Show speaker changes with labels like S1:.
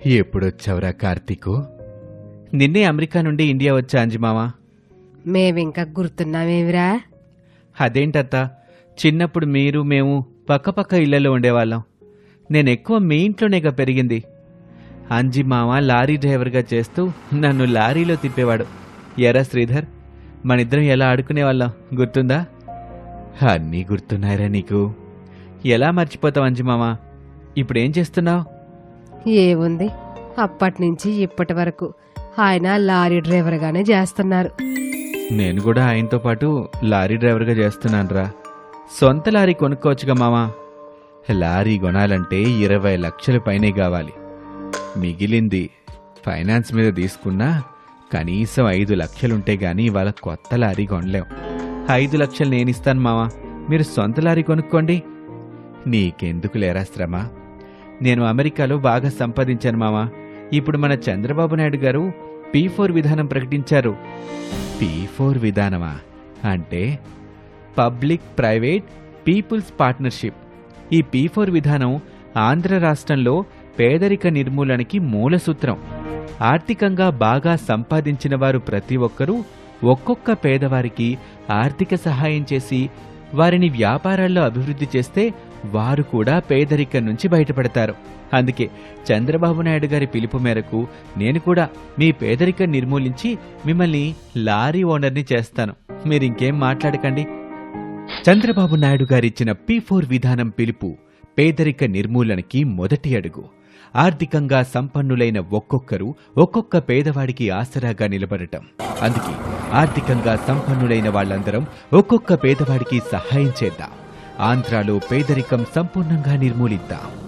S1: ఎప్పుడొచ్చావురా కార్తీకు? నిన్నే అమెరికా నుండి ఇండియా వచ్చా అంజిమావా.
S2: మేమింకా గుర్తున్నామేమిరా?
S1: అదేంటత్తా, చిన్నప్పుడు మీరు మేము పక్కపక్క ఇళ్లలో ఉండేవాళ్ళం. నేనెక్కువ మీ ఇంట్లోనేగా పెరిగింది. అంజిమామ లారీ డ్రైవర్గా చేస్తూ నన్ను లారీలో తిప్పేవాడు. ఎరా శ్రీధర్, మనిద్దరం ఎలా ఆడుకునేవాళ్ళం గుర్తుందా? అన్నీ గుర్తున్నాయిరా నీకు. ఎలా మర్చిపోతావు అంజిమామ? ఇప్పుడేం చేస్తున్నావు?
S2: ఏముంది, అప్పటినుంచి ఇప్పటి వరకు ఆయన లారీ డ్రైవర్గానే చేస్తున్నారు.
S1: నేను కూడా ఆయనతో పాటు లారీ డ్రైవర్గా చేస్తున్నానురా. సొంత లారీ కొనుక్కోవచ్చుగా మామా. లారీ కొనాలంటే 20 లక్షల పైనే కావాలి. మిగిలింది ఫైనాన్స్ మీద తీసుకున్నా కనీసం 5 లక్షలుంటే గానీ ఇవాళ కొత్త లారీ కొనలేం. 5 లక్షలు నేనిస్తాను మామా, మీరు సొంత లారీ కొనుక్కోండి. నీకెందుకు లేరా శ్రమ? నేను అమెరికాలో బాగా సంపాదించాను మామా. ఇప్పుడు మన చంద్రబాబు నాయుడు గారు P4 విధానం ప్రకటించారు. P4 విధానమా అంటే పబ్లిక్ ప్రైవేట్ పీపుల్స్ పార్ట్నర్షిప్. ఈ P4 విధానం ఆంధ్ర రాష్ట్రంలో పేదరిక నిర్మూలనకి మూల సూత్రం. ఆర్థికంగా బాగా సంపాదించిన వారు ప్రతి ఒక్కరూ ఒక్కొక్క పేదవారికి ఆర్థిక సహాయం చేసి వారిని వ్యాపారాల్లో అభివృద్ధి చేస్తే వారు కూడా పేదరికం నుంచి బయటపడతారు. అందుకే చంద్రబాబు నాయుడు గారి పిలుపు మేరకు నేను కూడా మీ పేదరికం నిర్మూలించి మిమ్మల్ని లారీ ఓనర్ని చేస్తాను. మీరింకేం మాట్లాడకండి. చంద్రబాబు నాయుడు గారిచ్చిన P4 విధానం పిలుపు పేదరిక నిర్మూలనకి మొదటి అడుగు. ఆర్థికంగా సంపన్నులైన ఒక్కొక్కరు ఒక్కొక్క పేదవాడికి ఆసరాగా నిలబడటం. అందుకే ఆర్థికంగా సంపన్నులైన వాళ్ళందరం ఒక్కొక్క పేదవాడికి సహాయం చేద్దాం. ఆంధ్రాలో పేదరికం సంపూర్ణంగా నిర్మూలిద్దాం.